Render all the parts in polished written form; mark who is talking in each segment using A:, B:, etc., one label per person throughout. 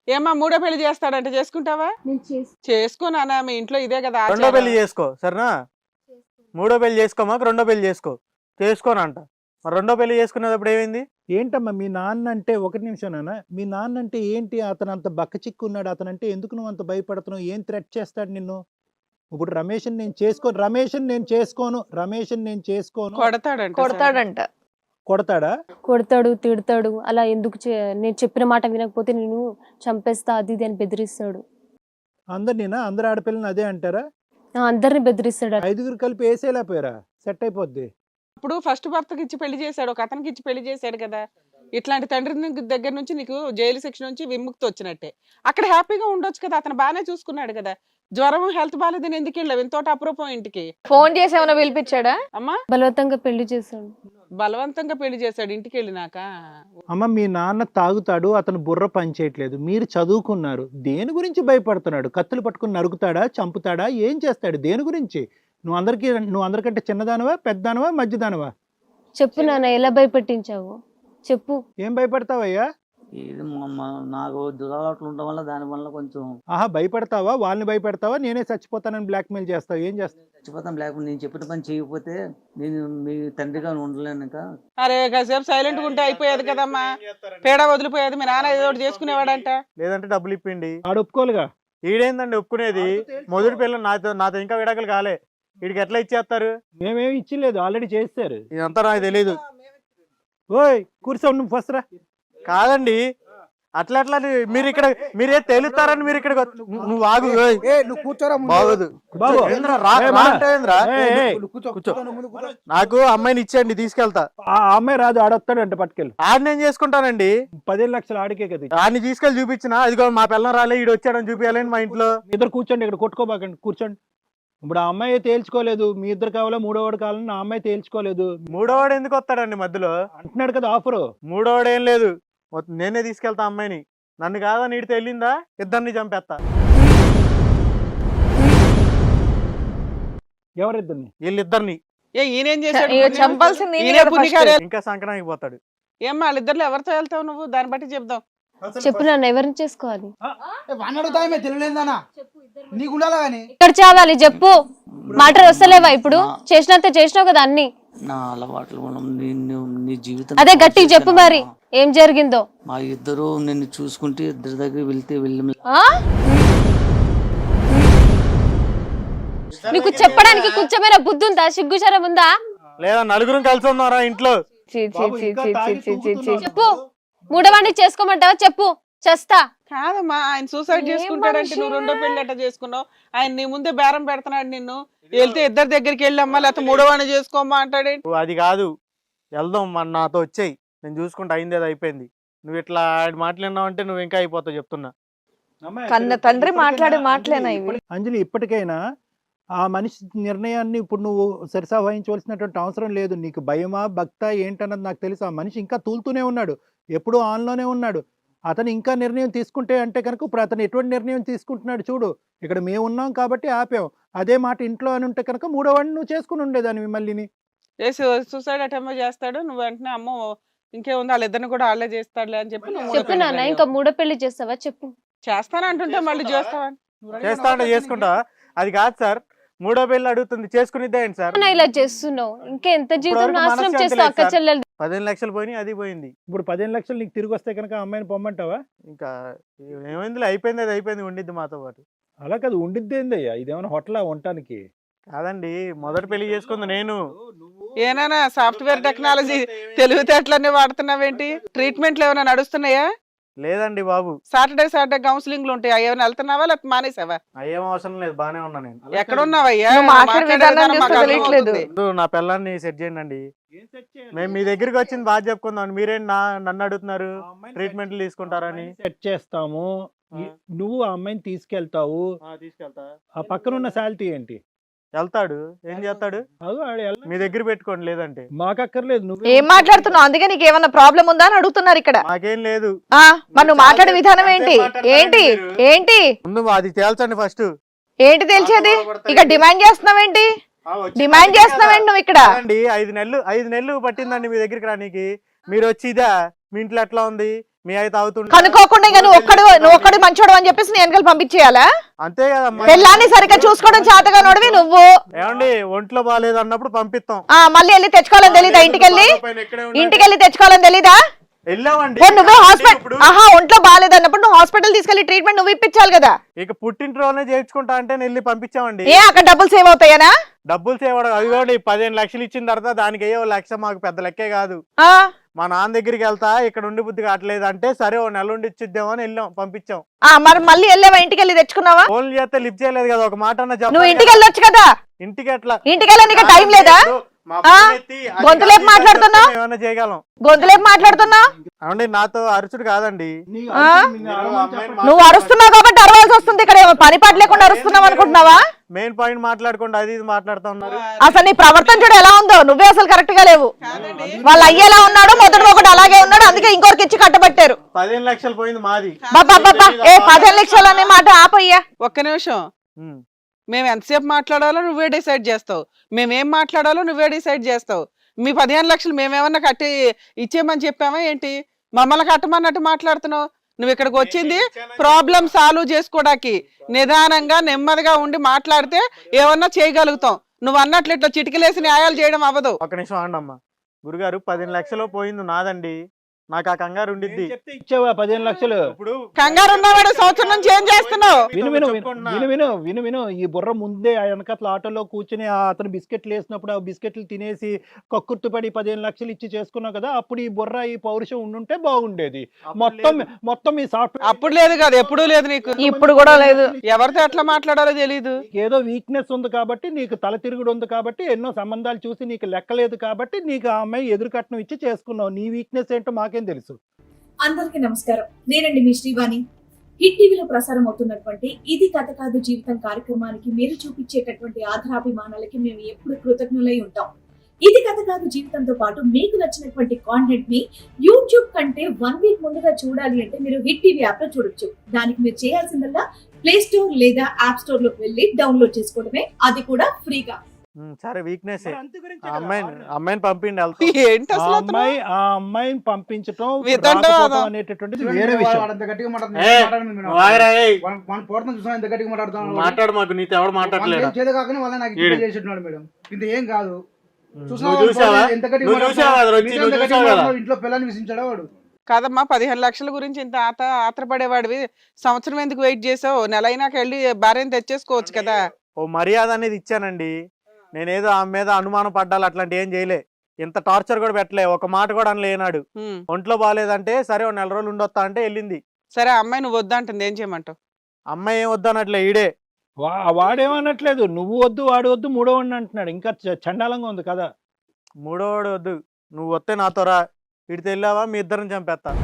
A: ఏమా మూడో పెళ్లి చేస్తాడంటే చేసుకుంటావా? చేసుకోనానా, మీ ఇంట్లో ఇదే కదా
B: రెండో పెళ్లి చేసుకో సరేనా. మూడో పెళ్లి చేసుకోమాక రెండో పెళ్లి చేసుకోనంట. మరి రెండో పెళ్లి చేసుకునేటప్పుడు ఏమైంది?
C: ఏంటమ్మా మీ నాన్న అంటే, ఒకటి నిమిషంనా, మీ నాన్న అంటే ఏంటి? అతను అంత బక్క చిక్కున్నాడు, అతను అంటే ఎందుకు నువ్వు అంత భయపడుతున్నావు? ఏం థ్రెట్ చేస్తాడు నిన్ను? ఇప్పుడు రమేష్ని నేను చేసుకోను
A: కొడతాడంట.
C: కొడతాడా?
D: కొడతాడు, తిడతాడు. అలా ఎందుకు నేను చెప్పిన మాట వినకపోతే నేను చంపేస్తా అది ఇది అని బెదిరిస్తాడు.
C: అందరు ఆడపిల్లని అదే అంటారా?
D: అందరిని బెదిరిస్తాడు.
C: 5గురు కలిపి వేసేలేకపోయారా? సెట్ అయిపోద్ది.
A: ఇప్పుడు ఫస్ట్ భర్తకి ఇచ్చి పెళ్లి చేశాడు, ఒక అతనికి ఇచ్చి పెళ్లి చేశాడు కదా. ఇట్లాంటి తండ్రి దగ్గర నుంచి నీకు జైలు శిక్ష నుంచి విముక్తి వచ్చినట్టే. అక్కడ హ్యాపీగా ఉండొచ్చు కదా, అతను బాగానే చూసుకున్నాడు కదా. జ్వరం హెల్త్ బాగాలేదని ఎందుకు వెళ్ళావు ఎంతోటి అప్రూపం ఇంటికి?
E: ఫోన్ చేసి ఏమైనా పిలిపించాడా?
A: అమ్మా
D: బలవంతంగా పెళ్లి చేశాడు.
A: బలవంతంగా పెళ్లి చేశాడు ఇంటికి వెళ్ళినాక.
C: అమ్మ మీ నాన్న తాగుతాడు, అతను బుర్ర పనిచేయట్లేదు, మీరు చదువుకున్నారు, దేని గురించి భయపడుతున్నాడు? కత్తులు పట్టుకుని నరుకుతాడా, చంపుతాడా, ఏం చేస్తాడు? దేని గురించి? నువ్వు అందరికంటే చిన్నదానవా, పెద్దదానవా, మధ్యదానవా?
D: చెప్పు నాన్న, ఎలా భయపెట్టించావు చెప్పు.
C: ఏం భయపడతావయ్యా?
F: ఇది నాకు దురలవాట్లు ఉండడం వల్ల దాని వల్ల కొంచెం
C: భయపడతావా? వాళ్ళని భయపెడతావా? నేనే చచ్చిపోతానని బ్లాక్మెయిల్ చేస్తావు? ఏం చేస్తావు?
F: చచ్చిపోతాం, లేకపోతే నేను చెప్పిన పని చేయకపోతే నేను మీ తండ్రిగా ఉండలేను. ఇంకా
A: అరే కాసేపు సైలెంట్ గా ఉంటే అయిపోయేది కదమ్మా, పేడ వదిలిపోయేది. మీ నాన్న ఏదో ఒకటి చేసుకునేవాడంట.
B: లేదంటే డబ్బులు ఇప్పిండి.
C: ఆడు ఒప్పుకోలుగా.
B: ఈడేందండి ఒప్పుకునేది? మొదటి పిల్లలు నాతో ఇంకా విడాకులు కాలే, వీడికి ఎట్లా ఇచ్చేస్తారు?
C: మేమేమి ఇచ్చిలేదు, ఆల్రెడీ చేస్తారు.
B: ఇదంతా నాకు తెలీదు.
C: ఓయ్ కూర్చో, నువ్వు ఫస్ట్ రా.
B: కాదండి, అట్లా మీరు ఇక్కడ మీరే తేలుతారని మీరు ఇక్కడ నువ్వు ఆగు. బాగోదు
C: బాబు.
B: ఏంద్రా, రా అంటే ఏంద్రా? కూర్చో. నాకు అమ్మాయిని ఇచ్చేయండి, తీసుకెళ్తా.
C: ఆ అమ్మాయి రాదు, ఆడొస్తాడంట, పట్టుకెళ్ళి.
B: ఆడిని ఏం చేసుకుంటానండి?
C: 15 లక్షలు ఆడికే కదా.
B: ఆడిని తీసుకెళ్ళి చూపించిన, ఇదిగో మా పిల్లం రాలే, ఈడు వచ్చాడని చూపించాలని మా ఇంట్లో.
C: ఇద్దరు కూర్చోండి, ఇక్కడ కొట్టుకోబాకండి, కూర్చోండి. ఇప్పుడు ఆ అమ్మాయి తేల్చుకోలేదు, మీ ఇద్దరు కావాలా మూడోవాడు కావాలని ఆ అమ్మాయి తేల్చుకోలేదు.
B: మూడోవాడు ఎందుకు వస్తాడండి మధ్యలో?
C: అంటున్నాడు కదా ఆఫరు.
B: మూడోవాడు ఏం లేదు, నేనే తీసుకెళ్తా అమ్మాయిని. నన్ను కాదా నీడితే వెళ్ళిందా, ఇద్దరిని చంపేస్తా.
C: ఎవరిద్దరిని?
B: వీళ్ళిద్దరిని.
A: ఈయనేం చేశాడు?
E: చంపాల్సింది
B: ఇంకా సంక్రాంతికి పోతాడు.
A: ఏమ్మా వాళ్ళిద్దరు ఎవరితో వెళ్తావు నువ్వు? దాన్ని బట్టి చెప్దాం.
D: చెప్పు నాన్న, ఎవరిని చేసుకోవాలి?
G: ఇక్కడ చావాలి చెప్పు.
D: మాటలు వస్తలేవా ఇప్పుడు? చేసినంత చేసినావు కదా అన్ని.
F: నా అలవాట్లు నీ జీవితం
D: అదే గట్టిగా చెప్పు మరి, ఏం జరిగిందో.
F: మా ఇద్దరు నిన్ను చూసుకుంటే ఇద్దరి దగ్గర వెళ్తే
D: నీకు చెప్పడానికి కొంచెమైనా బుద్ధి ఉందా, సిగ్గుచరం ఉందా?
B: లేదా నలుగురం కలిసి ఉన్నారా ఇంట్లో?
D: చెప్పు, మూడవాడిని చేసుకోమంటావా చెప్పు, చేస్తా.
A: కాదమ్మా, ఆయన సూసైడ్ చేసుకుంటాడంటే నువ్వు రెండో పెళ్లి అట్లా చేసుకున్నావు. ఆయన నీ ముందే బేరం పెడుతున్నాడు నిన్ను. వెళ్తే ఇద్దరి దగ్గరికి వెళ్ళమ్మా, లేకపోతే మూడోవాడిని చేసుకోమ్మా అంటాడే.
B: అది కాదు, వెళ్దాం, మన నాతో వచ్చేయి, నేను చూసుకుంటా, అయింది అది అయిపోయింది. నువ్వు ఇట్లా మాట్లాడినావు అంటే నువ్వు ఇంకా అయిపోతావు చెప్తున్నా.
E: కన్న తండ్రి మాట్లాడే మాటలేనా ఇవి?
C: అంజలి, ఇప్పటికైనా ఆ మనిషి నిర్ణయాన్ని ఇప్పుడు నువ్వు సరిసావహించవలసినటువంటి అవసరం లేదు. నీకు భయమా భక్త ఏంటన్నది నాకు తెలుసు. ఆ మనిషి ఇంకా తూలుతూనే ఉన్నాడు, ఎప్పుడూ ఆన్లోనే ఉన్నాడు. అతను ఇంకా నిర్ణయం తీసుకుంటే అంటే కనుక ఇప్పుడు అతను ఎటువంటి నిర్ణయం తీసుకుంటున్నాడు చూడు. ఇక్కడ మేము ఉన్నాం కాబట్టి ఆపాం. అదే మాట ఇంట్లో అని ఉంటే కనుక మూడోవాడిని నువ్వు చేసుకుని ఉండేదాన్ని మళ్ళీని.
A: సూసైడ్ అటెంప్ట్ చేస్తాడు, నువ్వు వెంటనే అమ్మో ఇంకేముంది వాళ్ళిద్దరిని కూడా వాళ్ళే చేస్తాడులే అని చెప్పి
D: చెప్పు నాన్న, ఇంకా మూడో పెళ్లి చేస్తావా చెప్పు.
A: చేస్తానంటుంటే మళ్ళీ చేస్తావా?
B: చేస్తా అంటే చేసుకుంటా. అది కాదు సార్, మూడో పెళ్లి అడుగుతుంది, చేసుకునిద్దా ఏంటి సార్?
D: ఇలా చేస్తున్నావు, ఇంకా ఎంత జీవితం నాశనం చేస్తావు అక్క చెల్లెలు.
B: 15 లక్షలు పోయినాయి, అది పోయింది.
C: ఇప్పుడు 15 లక్షలు నీకు తిరిగి వస్తే కనుక అమ్మాయిని పొమ్మంటావా?
B: ఇంకా ఏమైంది, అయిపోయింది, అది అయిపోయింది, ఉండిద్ది మాతో పాటు.
C: అలా కాదు, ఉండిద్దేందయ్యా, ఇదేమైనా హోటలా ఉండటానికి?
B: కాదండి, మొదటి పెళ్లి చేసుకుంది నేను.
A: ఏనా సాఫ్ట్వేర్ టెక్నాలజీ తెలివితేటలన్నీ వాడుతున్నావేంటి? ట్రీట్మెంట్లు ఏమైనా నడుస్తున్నాయా?
B: లేదండి బాబు.
A: సాటర్డే కౌన్సిలింగ్ ఉంటాయి, ఏమైనా వెళ్తున్నావా లేకపోతే మానేసావా?
B: అయ్యేం అవసరం లేదు, బానే ఉన్నా నేను.
A: ఎక్కడున్నావయ్యా?
B: నా పిల్లాన్ని సెట్ చేయండి. మేము మీ దగ్గరికి వచ్చింది బాగా చెప్పుకుందాం, మీరేం నన్ను అడుగుతున్నారు ట్రీట్మెంట్లు తీసుకుంటారని.
C: సెట్ చేస్తాము, నువ్వు ఆ అమ్మాయిని తీసుకెళ్తావు.
B: తీసుకెళ్తా.
C: ఆ పక్కన ఉన్న శాలిటీ ఏంటి?
B: వెళ్తాడు, ఏం చేస్తాడు? మీ దగ్గర పెట్టుకోండి, లేదంటే
C: మాకక్కర్లేదు. నువ్వు
E: ఏం మాట్లాడుతున్నావు? అందుకే నీకు ఏమన్నా ప్రాబ్లం ఉందా అని అడుగుతున్నారు ఇక్కడ.
B: మాకేం లేదు.
E: మరి నువ్వు మాట్లాడే విధానం ఏంటి? ఏంటి ఏంటి
B: ముందు అది తేల్చండి ఫస్ట్.
E: ఏంటి తెలిసేది? ఇక డిమాండ్ చేస్తున్నావేంటి? డిమాండ్ చేస్తున్నావేంటి నువ్వు ఇక్కడ?
B: 5 నెలలు పట్టిందండి మీ దగ్గరికి రానికి. మీరు వచ్చి ఇదా మీ ఇంట్లో ఎట్లా ఉంది, మీ అయితే అవుతుండే
E: కనుక్కోకుండా ఇక నువ్వు ఒక్కడు మంచోడు అని చెప్పేసి నేను వెనకాల పంపించేయాలా?
B: అంతే కదమ్మా.
E: పెళ్ళాన్ని సరిగ్గా చూసుకోవడం చేతగా నోడివి నువ్వు.
B: ఏమండి ఒంట్లో బాగాలేదు అన్నప్పుడు పంపిస్తాం.
E: మళ్ళీ వెళ్ళి తెచ్చుకోవాలని తెలీదా? ఇంటికెళ్ళి తెచ్చుకోవాలని తెలీదా?
B: వెళ్ళామండి.
E: నువ్వే హాస్పిటల్ ఒంట్లో బాగాలేదు అన్నప్పుడు నువ్వు హాస్పిటల్ తీసుకెళ్లి ట్రీట్మెంట్ నువ్వు ఇప్పించాలి కదా.
B: ఇక పుట్టింట్లోనే చేర్చుకుంటా అంటే వెళ్ళి పంపించామండి.
E: ఏ అక్కడ డబ్బులు సేవ్ అవుతాయనా?
B: డబ్బులు సేవడం అది కూడా 15 లక్షలు ఇచ్చిన తర్వాత దానికి అయ్యో 1 లక్ష మాకు పెద్ద లెక్కే కాదు. మా నాన్న దగ్గరికి వెళ్తా ఇక్కడ ఉండి బుద్ధి కావట్లేదు అంటే సరే ఓ నెల ఉండి ఇచ్చిద్దామని వెళ్ళాం, పంపించాం.
E: మరి మళ్ళీ వెళ్ళావా? ఇంటికి వెళ్ళి తెచ్చుకున్నావా?
B: ఫోన్ చేస్తే లిఫ్ట్ చేయలేదు కదా, ఒక మాట అన్న
E: నువ్వు ఇంటికి వెళ్ళొచ్చు కదా.
B: ఇంటికి ఎట్లా?
E: ఇంటికి వెళ్ళడానికి టైం లేదా? గొంతులేపు మాట్లాడుతున్నావు,
B: ఏమన్నా చేయగలం.
E: గొంతులేపు మాట్లాడుతున్నావు.
B: అవునండి నాతో అరుచుడు కాదండి.
E: నువ్వు అరుస్తున్నావు కాబట్టి అరవాల్సి వస్తుంది. ఇక్కడ పని పాట లేకుండా అరుస్తున్నావు అనుకుంటున్నావా?
B: మెయిన్ పాయింట్ మాట్లాడుకుంటూ అది ఇది మాట్లాడుతూ ఉన్నారు.
E: అసలు నీ ప్రవర్తన చూడు ఎలా ఉందో. నువ్వే అసలు కరెక్ట్ గా లేవు. వాళ్ళు అయ్యేలా ఉన్నాడు, మొదటి ఒకటి అలాగే ఉన్నాడు, అందుకే ఇంకొకరికి ఇచ్చి కట్టబట్టారు.
B: 15 లక్షలు పోయింది మాది.
E: 15 లక్షలు అనే మాట ఆపయ్యా.
A: ఒక్క నిమిషం. మేము ఎంతసేపు మాట్లాడాలో నువ్వే డిసైడ్ చేస్తావు, మేమేం మాట్లాడాలో నువ్వే డిసైడ్ చేస్తావు. మీ 15 లక్షలు మేమేమన్నా కట్టి ఇచ్చేయమని చెప్పామా ఏంటి? మమ్మల్ని కట్టమన్నట్టు మాట్లాడుతున్నావు. నువ్వు ఇక్కడికి వచ్చింది ప్రాబ్లం సాల్వ్ చేసుకోవడానికి. నిదానంగా నెమ్మదిగా ఉండి మాట్లాడితే ఏమన్నా చేయగలుగుతాం. నువ్వు అన్నట్లు ఇట్లా చిటికలేసి న్యాయాలు చేయడం అవ్వదు.
B: ఒక నిమిషం అండమ్మా. గురుగారు 15 లక్షలు పోయింది నాదండి, నాకు ఆ కంగారు ఉండిద్ది.
C: ఇచ్చావా 15 లక్షలు?
B: ఇప్పుడు
A: కంగారు ఉన్నవాడు సంవత్సరం నుంచి ఏం చేస్తున్నావు?
C: విను ఈ బుర్ర ముందే ఆ వెనకట్ల ఆటోలో కూర్చుని అతను బిస్కెట్లు వేసినప్పుడు ఆ బిస్కెట్లు తినేసి కక్కుర్తుపడి 15 లక్షలు ఇచ్చి చేసుకున్నావు కదా, అప్పుడు ఈ బుర్ర ఈ పౌరుషం ఉండుంటే బాగుండేది. మొత్తం ఈ సాఫ్ట్వేర్
A: అప్పుడు లేదు కదా, ఎప్పుడూ లేదు నీకు.
E: ఇప్పుడు కూడా లేదు.
A: ఎవరితో ఎట్లా మాట్లాడాలో తెలీదు.
C: ఏదో వీక్నెస్ ఉంది కాబట్టి, నీకు తల తిరుగుడు ఉంది కాబట్టి, ఎన్నో సంబంధాలు చూసి నీకు లెక్కలేదు కాబట్టి నీకు ఆ అమ్మాయి ఎదురు కట్నం ఇచ్చి చేసుకున్నావు. నీ వీక్నెస్ ఏంటో మాకేం తెలుసు.
H: అందరికీ నమస్కారం. నేనండి మీ శ్రీవాణి. హిట్ టీవీలో ప్రసారం అవుతున్నటువంటి ఇది కథ కాదు జీవితం కార్యక్రమానికి మీరు చూపించేటటువంటి ఆధారాభిమానాలకి మేము ఎప్పుడు కృతజ్ఞులై ఉంటాం. ఇది కథ కాదు జీవితంతో పాటు మీకు నచ్చినటువంటి కాంటెంట్ ని యూట్యూబ్ కంటే 1 వీక్ ముందుగా చూడాలి అంటే మీరు హిట్ టీవీ యాప్ లో చూడొచ్చు. దానికి మీరు చేయాల్సిందల్లా ప్లే స్టోర్ లేదా యాప్ స్టోర్ లోకి వెళ్ళి డౌన్లోడ్ చేసుకోవడమే, అది కూడా ఫ్రీగా.
B: సరే వీక్నెస్ అమ్మాయిని పంపిండి.
A: ఏంటి అసలు
C: ఆ అమ్మాయిని పంపించడం అనేటటువంటిది వేరే
B: వేరే
C: విషయం.
B: మాట్లాడు, మాకు నీతో ఎవడు మాట్లాడలేదు.
G: ఏం కాదు.
B: ఇంట్లో
G: పిల్లల్ని విసించాడా వాడు?
A: కాదమ్మా, 15 లక్షల గురించి ఇంత ఆత్రపడేవాడివి సంవత్సరం ఎందుకు వెయిట్ చేసావు? నెల అయినాక వెళ్ళి భార్యను తెచ్చేసుకోవచ్చు కదా.
B: ఓ మర్యాద అనేది ఇచ్చానండి. నేనేదో ఆమె మీద అనుమానం పడ్డాలి అట్లాంటి ఏం చేయలే. ఇంత టార్చర్ కూడా పెట్టలే, ఒక మాట కూడా అనలేనాడు. ఒంట్లో బాగాలేదంటే సరే ఓ 4 రోజులు ఉండొస్తా అంటే వెళ్ళింది.
A: సరే అమ్మాయి నువ్వు వద్దంటుంది, ఏం చేయమంటావు?
B: అమ్మాయి ఏం వద్దనట్లే, ఈడే
C: వాడేమనట్లేదు. నువ్వు వద్దు వాడు వద్దు, మూడో వాడిని అంటున్నాడు. ఇంకా చండాలంగా ఉంది కదా.
B: మూడోవాడు వద్దు, నువ్వు వస్తే నాతో రా. ఇడితే వెళ్ళావా మీ ఇద్దరిని చంపేస్తా.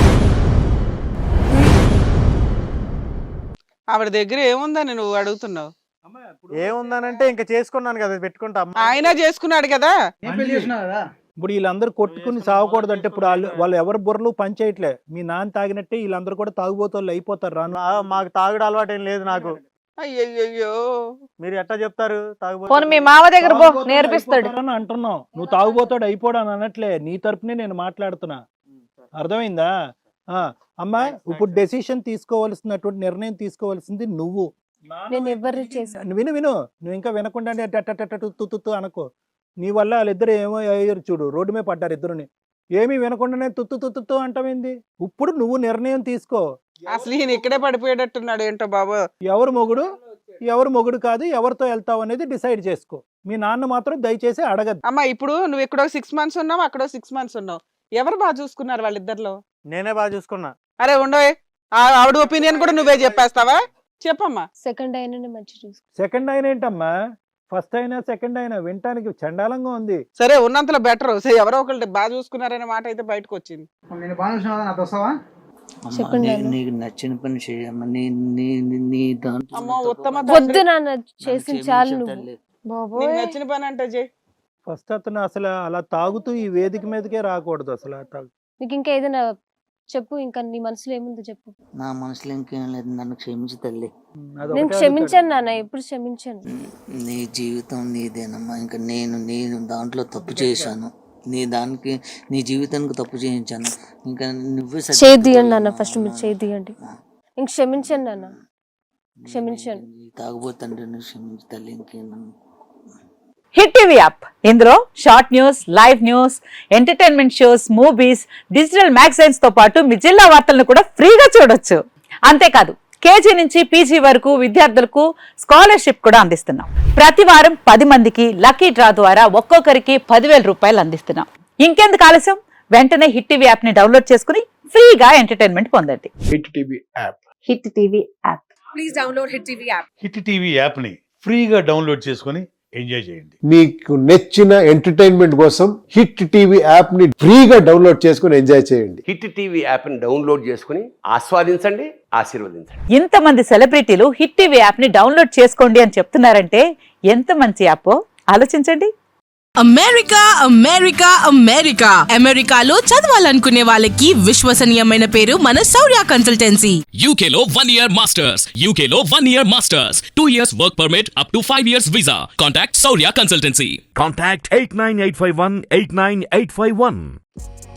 A: ఆవిడ దగ్గర ఏముందని నువ్వు అడుగుతున్నావు?
B: ఏముందనంటే ఇంకా చేసుకున్నాను కదా, పెట్టుకుంటా.
A: ఆయన చేసుకున్నాడు కదా.
C: ఇప్పుడు వీళ్ళందరూ కొట్టుకుని సాగకూడదు అంటే ఇప్పుడు వాళ్ళు ఎవరు బుర్రలు పని చేయట్లే. మీ నాన్న తాగినట్టే వీళ్ళందరూ కూడా తాగుబోతోళ్ళు అయిపోతారు. రాను
B: మాకు తాగుడు అలవాటు ఏం లేదు నాకు.
A: అయ్యయ్యో,
B: మీరు ఎట్లా చెప్తారు
E: మీ మామ దగ్గర నేర్పిస్తాడు
C: అంటున్నావు. నువ్వు తాగుబోతాడు అయిపోవడం అనట్లే, నీ తరపునే నేను మాట్లాడుతున్నా. అర్థమైందా? అమ్మా, ఇప్పుడు డెసిషన్ తీసుకోవాల్సినటువంటి నిర్ణయం తీసుకోవాల్సింది నువ్వు. విను నువ్వు ఇంకా వినకుండా తుత్తు అనుకో. నీ వల్ల వాళ్ళిద్దరు ఏమో అయ్యారు చూడు, రోడ్డు మీద పడ్డారు ఇద్దరుని. ఏమీ వినకుండానే తుత్తు అంటావేంది? ఇప్పుడు నువ్వు నిర్ణయం తీసుకో.
A: అసలు ఈయన ఇక్కడే పడిపోయేటట్టున్నాడు ఏంటో బాబు.
C: ఎవరు మొగుడు కాదు, ఎవరితో వెళ్తావు అనేది డిసైడ్ చేసుకో. మీ నాన్న మాత్రం దయచేసి అడగద్దు.
A: అమ్మా, ఇప్పుడు నువ్వు ఇక్కడ 6 మంత్స్ ఉన్నావు, అక్కడ 6 మంత్స్ ఉన్నావు. ఎవరు బాగా చూసుకున్నారు వాళ్ళిద్దరిలో?
B: నేనే బాగా చూసుకున్నా.
A: అరే ఉండవే, ఆవిడ ఒపీనియన్ కూడా నువ్వే చెప్పేస్తావా? చెప్పమ్మా.
D: సెకండ్ అయినా మంచి చూసుకో.
C: సెకండ్ అయినా ఏంటమ్మా, ఫస్ట్ అయినా సెకండ్ అయినా వినటానికి చండాలంగా ఉంది.
A: సరే ఉన్నంతలో బెటర్. ఎవరో ఒకళ్ళు బాగా చూసుకున్నారనే మాట అయితే బయటకు వచ్చింది.
F: నీకు నచ్చిన పని చేయమ్మా.
D: వద్దు నాన్న, చేసిన చాలు.
A: నీకు నచ్చిన పని అంటే చెయ్యి.
C: ఫస్ట్ అతను అసలు అలా తాగుతూ ఈ వేదిక మీదకే రాకూడదు. అసలు
D: నీకు ఇంకా ఏదైనా చెప్పు, ఇంకా నీ మనసులో ఏముందో చెప్పు.
F: నా మనసులో ఇంకేం లేదు, నన్ను క్షమించు తల్లి.
D: నేను క్షమించాను నాన్న, ఎప్పుడు క్షమించాను.
F: నీ జీవితం నీదేనమ్మా. ఇంకా నేను దాంట్లో తప్పు చేశాను. నీ జీవితానికి తప్పు చేయించాను. ఇంకా నువ్వే
D: చేయండి నాన్న, ఫస్ట్ మీరు చేయండి. ఇంక క్షమించండి నాన్న, క్షమించండి.
F: తాగబోతండ్రి, క్షమించి తల్లి. ఇంకేమన్నా
E: హిట్ టీవీ యాప్, ఇందులో short news, live news, entertainment shows, movies, digital magazines తో పాటు మీ జిల్లా వార్తలను కూడా ఫ్రీగా చూడొచ్చు. అంతేకాదు కేజీ నుంచి పీజీ వరకు విద్యార్థులకు స్కాలర్షిప్ కూడా అందిస్తున్నాం. ప్రతి వారం 10 మందికి లక్కీ డ్రా ద్వారా ఒక్కొక్కరికి 10,000 రూపాయలు అందిస్తున్నాం. ఇంకెందుకు ఆలస్యం, వెంటనే హిట్ టీవీ యాప్ ని డౌన్లోడ్ చేసుకుని ఫ్రీగా ఎంటర్టైన్మెంట్ పొందండి.
I: Hit TV app.
E: Hit TV app.
H: Please download hit TV app.
I: Hit TV app ని ఫ్రీగా డౌన్లోడ్ చేసుకొని ఎంజాయ్ చేయండి.
J: మీకు నచ్చిన ఎంటర్టైన్మెంట్ కోసం హిట్ టీవీ యాప్ ని ఫ్రీగా డౌన్లోడ్ చేసుకొని ఎంజాయ్ చేయండి.
K: హిట్ టీవీ యాప్ ని డౌన్లోడ్ చేసుకుని ఆస్వాదించండి, ఆశీర్వదించండి.
E: ఇంతమంది సెలబ్రిటీలు హిట్ టీవీ యాప్ ని డౌన్లోడ్ చేసుకోండి అని చెప్తున్నారంటే ఎంత మంచి యాప్ ఆలోచించండి.
L: అమెరికా అమెరికా అమెరికా అమెరికాలో చదవాలనుకునే వాళ్ళకి విశ్వసనీయమైన పేరు మన శౌర్య కన్సల్టెన్సీ.
M: UK లో 1 year masters, UK లో 1 year masters, 2 years work permit up to 5 years visa. Contact Saurya Consultancy.
N: Contact 89851 89851.